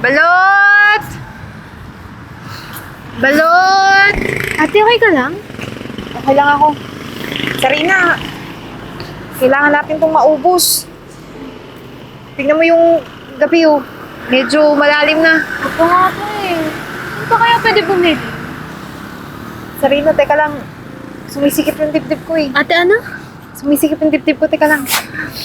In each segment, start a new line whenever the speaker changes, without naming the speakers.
Balot! Balot! Ate, okay ka lang?
Okay lang ako. Sarina, kailangan natin itong maubos. Tingnan mo yung gabi, oh. Medyo malalim na.
Opo nga po eh. Ano pa kaya pwede bumili?
Sarina, teka lang. Sumisikip yung dibdib ko, eh.
Ate, ano?
Sumisikip yung dibdib ko, teka lang.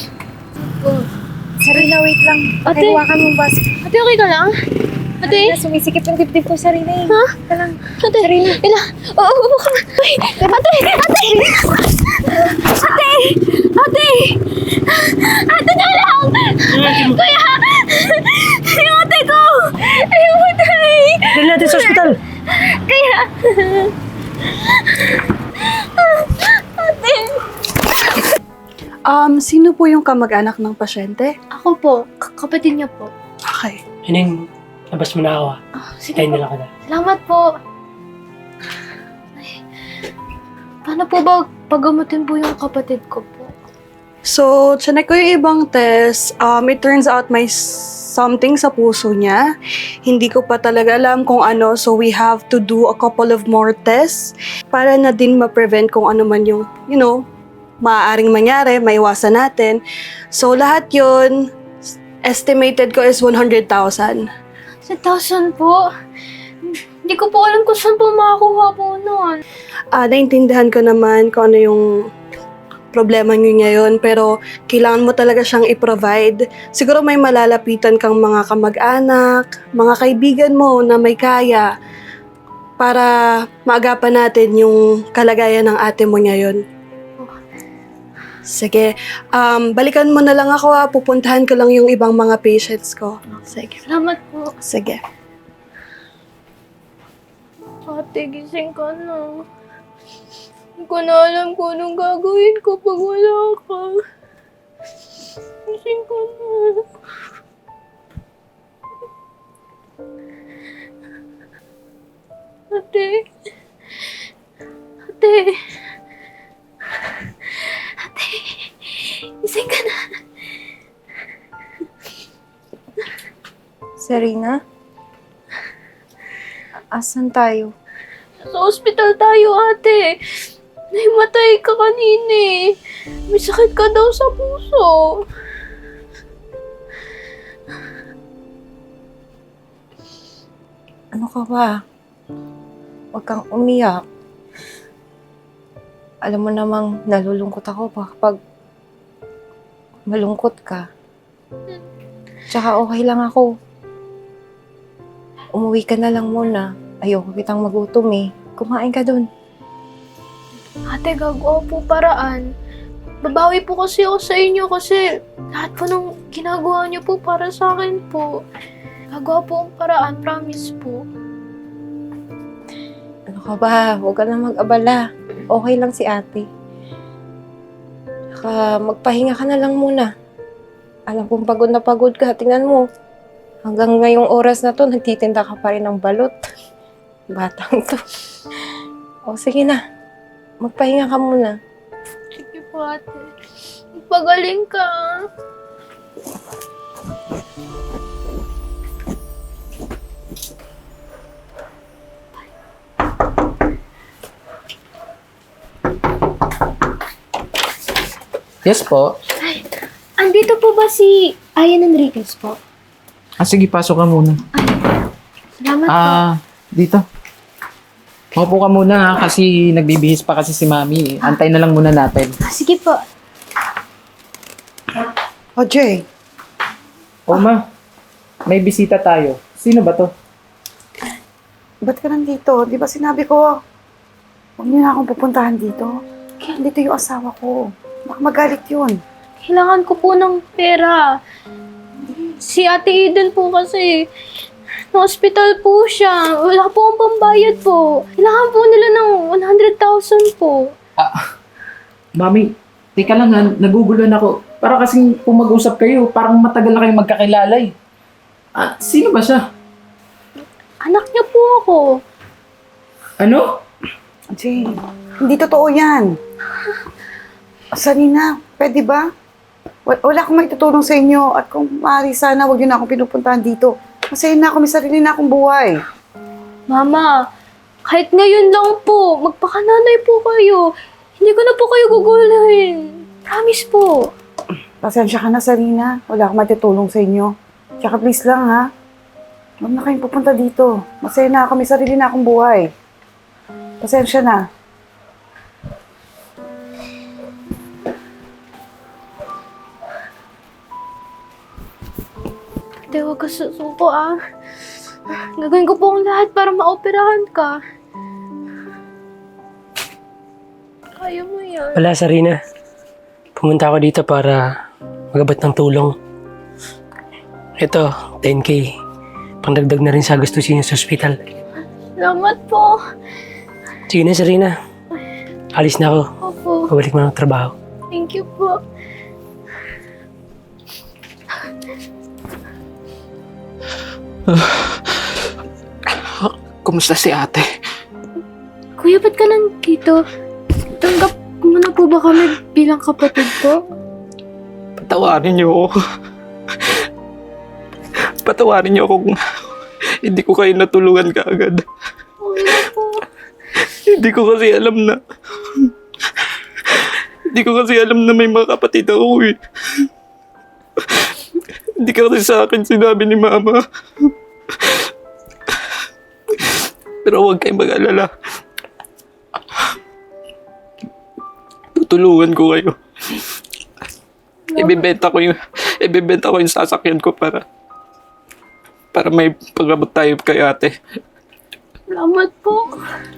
Sarina, wait lang.
Ate.
Pakihawakan mo bas.
Ate, okay ka lang? Ate?
Sarina, sumisikip yung dibdib ko, Sarina, eh.
Ha?
Teka lang.
Ate, ila. Oo, upo ka. Ay, ate! Ate! Ate! Ate! Ate, lang! Kuya! Yung ate ko! Ayaw matay!
Dali natin sa ospital.
Kaya... Ate!
Sino po yung kamag-anak ng pasyente?
Ako po, kapatid niya po.
Okay.
Hining, labas mo na ako ah.
Sige
Kain
po.
nila ka na.
Salamat po. Ay, paano po ba pagamutin po yung kapatid ko po?
So, chinek ko yung ibang test. It turns out may something sa puso niya. Hindi ko pa talaga alam kung ano. So, we have to do a couple of more tests para na din ma-prevent kung ano man yung, maaaring mangyari, maiwasan natin. So, lahat yun, estimated ko is 100,000.
1,000 po? Hindi ko po alam kung saan po makakuha po noon.
Naintindihan ko naman kung ano yung problema niyo ngayon, pero kailangan mo talaga siyang i-provide. Siguro may malalapitan kang mga kamag-anak, mga kaibigan mo na may kaya para maagapan natin yung kalagayan ng ate mo ngayon. Sige, balikan mo na lang ako ha. Pupuntahan ko lang yung ibang mga patients ko. Sige.
Salamat po.
Sige.
Ate, gising ka na. Hindi ko na alam kung anong gagawin ko pag wala ka. Gising ka na. Ate. Ate. Ate. Gising ka na.
Sarina? Asan tayo?
Sa ospital tayo, ate. Nahimatay ka kanina eh. May sakit ka daw sa puso.
Ano ka ba? Huwag kang umiyak. Alam mo namang nalulungkot ako kapag malungkot ka. Tsaka okay lang ako. Umuwi ka na lang muna. Ayoko kitang magutom eh. Kumain ka dun.
Ate, gagawa po paraan. Babawi po kasi ako sa inyo kasi lahat po nung ginagawa niyo po para sa akin po. Gagawa po ang paraan, promise po.
Ano ka ba? Huwag ka na mag-abala. Okay lang si ate. Tsaka magpahinga ka na lang muna. Alam kong pagod na pagod ka. Tingnan mo. Hanggang ngayong oras na to, nagtitinda ka pa rin ng balot. Batang to. O sige na. Magpahinga ka muna.
Sige po, ate. Magpagaling ka.
Yes po.
Andito po ba si Ayan Enriquez po?
Sige, pasok ka muna.
Salamat po.
Dito. Maupo ka muna ha, kasi nagbibihis pa kasi si Mami. Antay na lang muna natin.
Sige po.
O, Jay.
O ma, may bisita tayo. Sino ba to?
Ba't ka nandito? Di ba sinabi ko, huwag niyo na akong pupuntahan dito. Dito yung asawa ko. Baka magalit yun.
Kailangan ko po ng pera. Si Ate Eden po kasi na-hospital po siya. Wala po ang pambayad po. Kailangan po nila ng 100,000 po.
Mami, teka lang ha, naguguluhan ako. Para kasing kung mag-usap kayo, parang matagal na kayong magkakilala eh. Sino ba siya?
Anak niya po ako.
Ano?
Jay, hindi totoo yan. Sarina, pwede ba? Wala akong maitutulong sa inyo at kung maaari sana, huwag niyo na akong pinupuntahan dito. Masaya na ako, may sarili na akong buhay.
Mama, kahit ngayon lang po, magpakananay po kayo. Hindi ko na po kayo gugulahin. Promise po.
Pasensya ka na, Sarina. Wala akong matutulong sa inyo. Tsaka please lang, ha? Huwag na kayong pupunta dito. Masaya na ako, may sarili na akong buhay. Pasensya na.
Ate, huwag ka susuko ah. Gagawin ko po ang lahat para maoperahan ka. Kaya mo yan.
Wala, Sarina. Pumunta ako dito para magabot ng tulong. Ito, 10K. Pangdagdag na rin sa gastusin sa ospital.
Salamat po.
Sige na, Sarina. Alis na ako.
Opo.
Pabalik mo ng trabaho.
Thank you po.
Kumusta si ate?
Kuya, ba't ka nandito? Tanggap mo na po ba kami bilang kapatid ko?
Patawarin niyo ako. Patawarin niyo ako kung hindi ko kayo natulungan kaagad.
Okay na po.
Hindi ko kasi alam na... Hindi ko kasi alam na may mga kapatid ako eh. Hindi ka kasi sa akin sinabi ni Mama. Pero huwag kayong mag-alala. Tutulungan ko kayo. Ibebenta ko yung sasakyan ko para may pag-abot tayo kay ate.
Salamat po.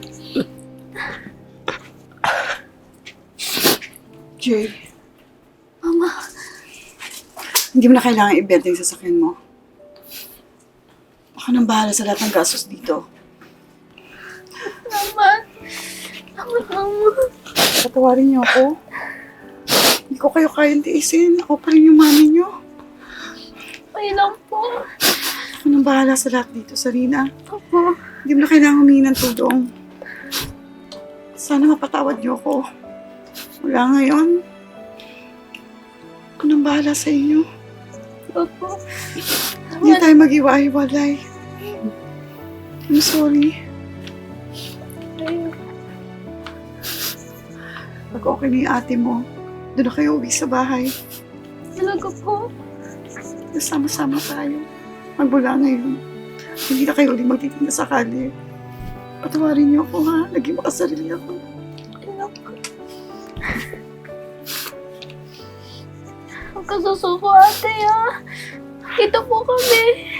Jay,
Mama,
hindi mo na kailangan ibenta yung sasakyan mo. Ako nang bahala sa lahat ng gastos dito.
salamat. Salamat, Mama.
Patawarin niyo ako. Hindi ko kayo kayang tiisin. Ako pa rin yung mami niyo.
Okay lang po.
Ako nang bahala sa lahat dito, Sarina.
Opo.
Hindi mo na kailangan humingi ng tulong. Sana mapatawad niyo ako. Wala ngayon. Ako nang bahala sa inyo.
Opo.
Hindi tayo mag-iwa-iwalay. I'm sorry. Pag okay na yung ate mo, doon na kayo uwi sa bahay.
Talaga po.
Sama-sama tayo. Magmula ngayon. Hindi na kayo ulit magtitinda sa kali. Patawarin niyo ako, ha? Naging makasarili ako.
Huwag ka susuko, ate, ha? Dito po kami.